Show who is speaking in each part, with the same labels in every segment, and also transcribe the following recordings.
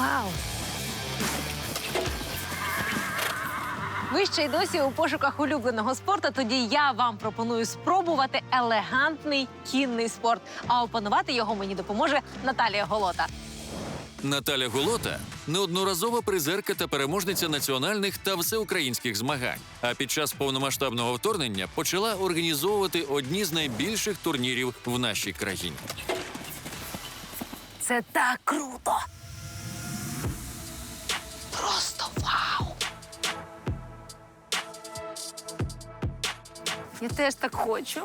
Speaker 1: Вау! Ви ще й досі у пошуках улюбленого спорту, тоді я вам пропоную спробувати елегантний кінний спорт. А опанувати його мені допоможе Наталія Голота.
Speaker 2: Наталя Голота – неодноразова призерка та переможниця національних та всеукраїнських змагань. А під час повномасштабного вторгнення почала організовувати одні з найбільших турнірів в нашій країні.
Speaker 1: Це так круто! Просто вау! Я теж так хочу.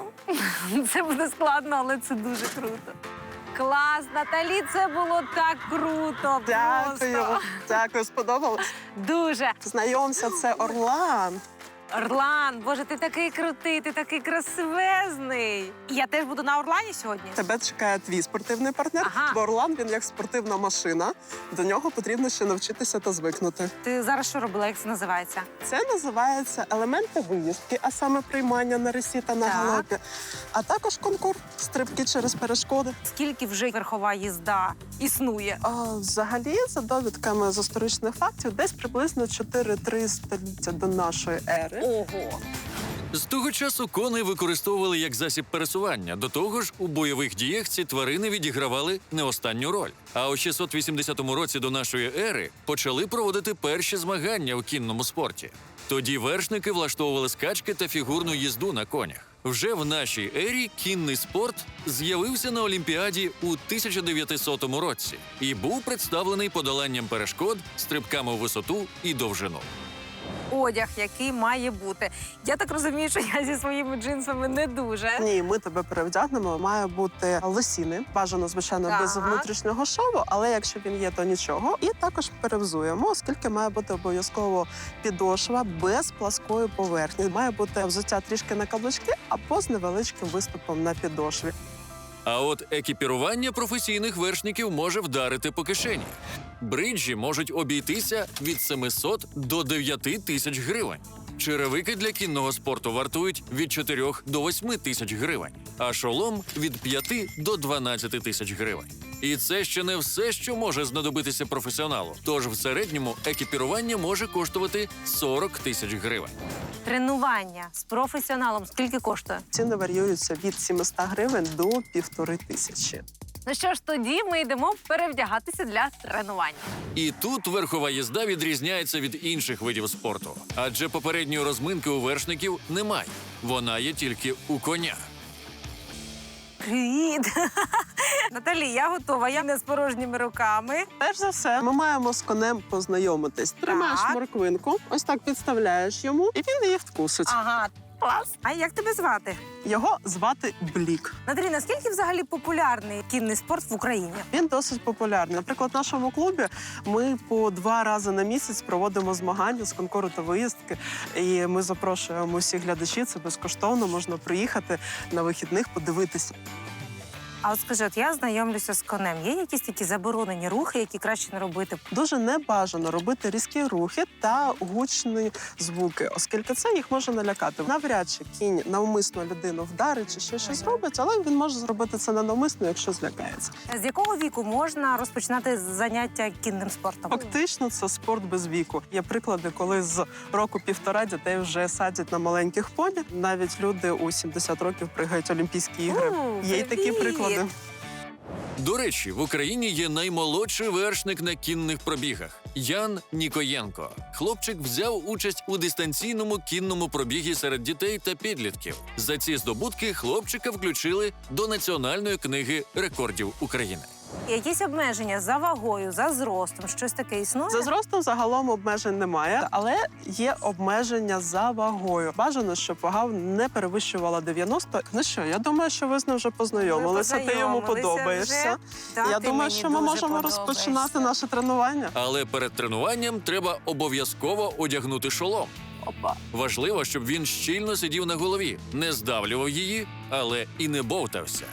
Speaker 1: Це буде складно, але це дуже круто. Клас, Наталі, це було так круто.
Speaker 3: Дякую,
Speaker 1: Просто.
Speaker 3: дякую, сподобалось.
Speaker 1: Дуже.
Speaker 3: Знайомся, це Орлан.
Speaker 1: Орлан, боже, ти такий крутий, ти такий красивезний. Я теж буду на Орлані сьогодні.
Speaker 3: Тебе чекає твій спортивний партнер,
Speaker 1: Ага.
Speaker 3: бо Орлан, він як спортивна машина. До нього потрібно ще навчитися та звикнути.
Speaker 1: Ти зараз що робила, як це називається?
Speaker 3: Це називається елементи виїздки, а саме приймання на рисі та на
Speaker 1: Так.
Speaker 3: галопі. А також конкурс стрибки через перешкоди.
Speaker 1: Скільки вже верхова їзда існує?
Speaker 3: Взагалі, за довідками з історичних фактів, десь приблизно 4-3 століття до нашої ери.
Speaker 1: Ого!
Speaker 2: З того часу коней використовували як засіб пересування. До того ж, у бойових діях ці тварини відігравали не останню роль. А у 680 році до нашої ери почали проводити перші змагання у кінному спорті. Тоді вершники влаштовували скачки та фігурну їзду на конях. Вже в нашій ері кінний спорт з'явився на Олімпіаді у 1900 році і був представлений подоланням перешкод, стрибками у висоту і довжину.
Speaker 1: Одяг, який має бути. Я так розумію, що я зі своїми джинсами не дуже.
Speaker 3: Ні, ми тебе перевдягнемо. Має бути лосіни. Бажано, звичайно,
Speaker 1: Так.
Speaker 3: без внутрішнього шову, але якщо він є, то нічого. І також перевзуємо, оскільки має бути обов'язково підошва без пласкої поверхні. Має бути взуття трішки на каблучки, або з невеличким виступом на підошві.
Speaker 2: А от екіпірування професійних вершників може вдарити по кишені. Бриджі можуть обійтися від 700 до 9 тисяч гривень. Черевики для кінного спорту вартують від 4 до 8 тисяч гривень, а шолом – від 5 до 12 тисяч гривень. І це ще не все, що може знадобитися професіоналу. Тож в середньому екіпірування може коштувати 40 тисяч гривень.
Speaker 1: Тренування з професіоналом скільки коштує?
Speaker 3: Ціни варіюються від 700 гривень до 1500.
Speaker 1: Ну що ж, тоді ми йдемо перевдягатися для тренування.
Speaker 2: І тут верхова їзда відрізняється від інших видів спорту. Адже попередньої розминки у вершників немає. Вона є тільки у коня.
Speaker 1: Привіт! Наталі, я готова, я не з порожніми руками.
Speaker 3: Перш за все, ми маємо з конем познайомитись. Тримаєш
Speaker 1: Так.
Speaker 3: морквинку, ось так підставляєш йому, і він її вкусить.
Speaker 1: Ага, клас. А як тебе звати?
Speaker 3: Його звати Блік.
Speaker 1: Наталі, наскільки взагалі популярний кінний спорт в Україні?
Speaker 3: Він досить популярний. Наприклад, в нашому клубі ми по 2 рази на місяць проводимо змагання з конкуру та виїздки. І ми запрошуємо всіх глядачів, це безкоштовно, можна приїхати на вихідних, подивитися.
Speaker 1: А от скажи, от я знайомлюся з конем. Є якісь такі заборонені рухи, які краще не робити?
Speaker 3: Дуже небажано робити різкі рухи та гучні звуки, оскільки це їх може налякати. Навряд чи кінь навмисно людину вдарить чи ще щось зробить, але він може зробити це ненавмисно, якщо злякається.
Speaker 1: З якого віку можна розпочинати заняття кінним спортом?
Speaker 3: Фактично, це спорт без віку. Є приклади, коли з року-півтора дітей вже садять на маленьких поні. Навіть люди у 70 років пригають Олімпійські ігри. Є й такі
Speaker 1: привіт!
Speaker 3: приклади.
Speaker 2: До речі, в Україні є наймолодший вершник на кінних пробігах – Ян Нікоєнко. Хлопчик взяв участь у дистанційному кінному пробігі серед дітей та підлітків. За ці здобутки хлопчика включили до Національної книги рекордів України.
Speaker 1: Якісь обмеження за вагою, за зростом, щось таке існує?
Speaker 3: За зростом загалом обмежень немає, але є обмеження за вагою. Бажано, щоб вага не перевищувала 90. Ну що, я думаю, що ви з ним вже познайомилися. Ти йому подобаєшся.
Speaker 1: Так,
Speaker 3: Я
Speaker 1: ти
Speaker 3: думаю,
Speaker 1: мені
Speaker 3: що ми
Speaker 1: дуже
Speaker 3: можемо
Speaker 1: подобаєшся.
Speaker 3: розпочинати наше тренування.
Speaker 2: Але перед тренуванням треба обов'язково одягнути шолом.
Speaker 3: Опа.
Speaker 2: Важливо, щоб він щільно сидів на голові, не здавлював її, але і не бовтався.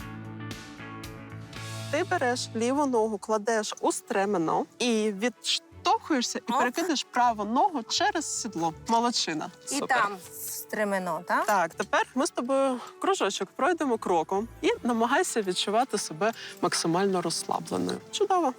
Speaker 3: Ти береш ліву ногу, кладеш у стремено і відштовхуєшся і
Speaker 1: Оп.
Speaker 3: перекидаєш праву ногу через сідло. Молодчина.
Speaker 1: І
Speaker 3: Супер.
Speaker 1: там стремено, так?
Speaker 3: Так, тепер ми з тобою кружочок пройдемо кроком і намагайся відчувати себе максимально розслабленою. Чудово.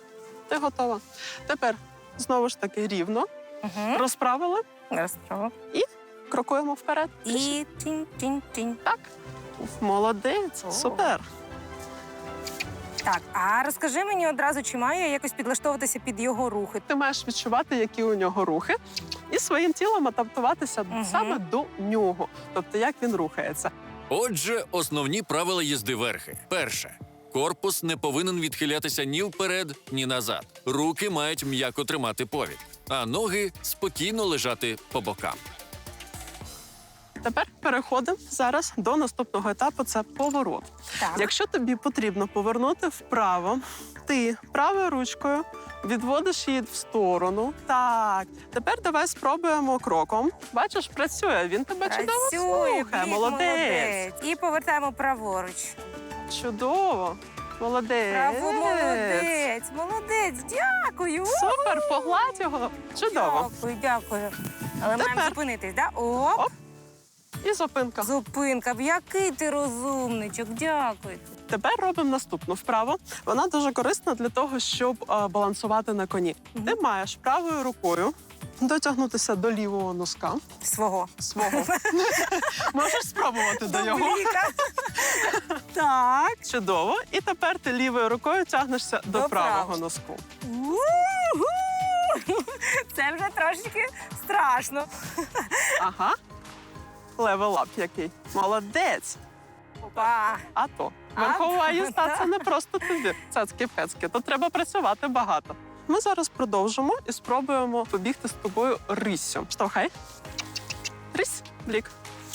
Speaker 3: ти готова. Тепер знову ж таки рівно
Speaker 4: Угу.
Speaker 3: розправили,
Speaker 4: Розправо.
Speaker 3: крокуємо вперед.
Speaker 4: І тінь-тінь-тінь.
Speaker 3: Так. Молодець,
Speaker 4: О.
Speaker 3: супер.
Speaker 4: Так, а розкажи мені одразу, чи маю я якось підлаштовуватися під його рухи?
Speaker 3: Ти маєш відчувати, які у нього рухи, і своїм тілом адаптуватися
Speaker 4: Мгм.
Speaker 3: саме до нього, тобто як він рухається.
Speaker 2: Отже, основні правила їзди верхи. Перше. Корпус не повинен відхилятися ні вперед, ні назад. Руки мають м'яко тримати повід, а ноги спокійно лежати по бокам.
Speaker 3: Тепер переходимо зараз до наступного етапу – це поворот.
Speaker 4: Так.
Speaker 3: Якщо тобі потрібно повернути вправо, ти правою ручкою відводиш її в сторону. Так, тепер давай спробуємо кроком. Бачиш, працює, він тебе чудово слухає.
Speaker 4: Блік,
Speaker 3: Молодець.
Speaker 4: І повертаємо праворуч.
Speaker 3: Чудово. Молодець.
Speaker 4: Право, молодець, дякую.
Speaker 3: Супер, погладь його. Чудово.
Speaker 4: Дякую. Але маємо
Speaker 3: Тепер.
Speaker 4: зупинитись, так? Оп,
Speaker 3: Оп. І зупинка.
Speaker 4: зупинка. Який ти розумничок, дякую.
Speaker 3: Тепер робимо наступну вправу. Вона дуже корисна для того, щоб балансувати на коні.
Speaker 4: Мгм.
Speaker 3: Ти маєш правою рукою дотягнутися до лівого носка
Speaker 4: Свого.
Speaker 3: свого. Можеш спробувати до його.
Speaker 4: Бліка. Так.
Speaker 3: Чудово. І тепер ти лівою рукою тягнешся до
Speaker 4: До
Speaker 3: правого
Speaker 4: правого.
Speaker 3: носку.
Speaker 4: У-ху! Це вже трошечки страшно.
Speaker 3: Ага. Левел-ап який. Молодець.
Speaker 4: Опа.
Speaker 3: А то. Верхова
Speaker 4: А,
Speaker 3: їзда
Speaker 4: так.
Speaker 3: це не просто тобі. Цацки-пецки. Тут треба працювати багато. Ми зараз продовжимо і спробуємо побігти з тобою риссю. Штовхай. Рись, блік.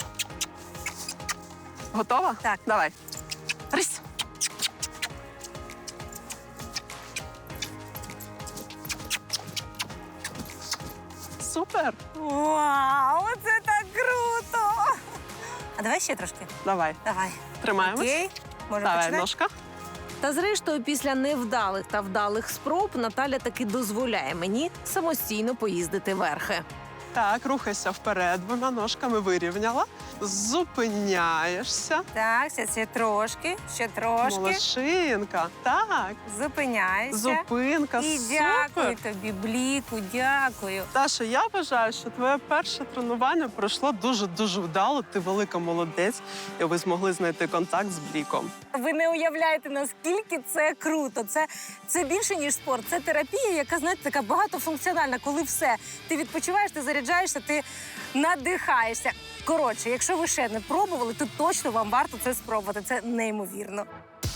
Speaker 3: Готова?
Speaker 4: Так.
Speaker 3: Давай. Рись. Супер.
Speaker 4: Вау, це так круто! А давай ще трошки.
Speaker 3: Давай.
Speaker 4: Давай.
Speaker 3: Тримаємось.
Speaker 4: Окей. Можна
Speaker 3: Давай,
Speaker 4: починати?
Speaker 3: ножка.
Speaker 1: Та зрештою, після невдалих та вдалих спроб Наталя таки дозволяє мені самостійно поїздити верхи.
Speaker 3: Так, рухайся вперед, двома ножками вирівняла. Зупиняєшся.
Speaker 4: Так, ще трошки, ще трошки.
Speaker 3: Молодчинка. Так.
Speaker 4: Зупиняйся.
Speaker 3: Зупинка.
Speaker 4: І
Speaker 3: Супер.
Speaker 4: дякую тобі, Бліку, дякую.
Speaker 3: Таша, я вважаю, що твоє перше тренування пройшло дуже-дуже вдало. Ти велика молодець, і ви змогли знайти контакт з Бліком.
Speaker 4: Ви не уявляєте, наскільки це круто. Це більше, ніж спорт. Це терапія, яка, знаєте, така багатофункціональна, коли все. Ти відпочиваєш, ти заряджаєшся, ти надихаєшся. Коротше, якщо ви ще не пробували, то точно вам варто це спробувати. Це неймовірно.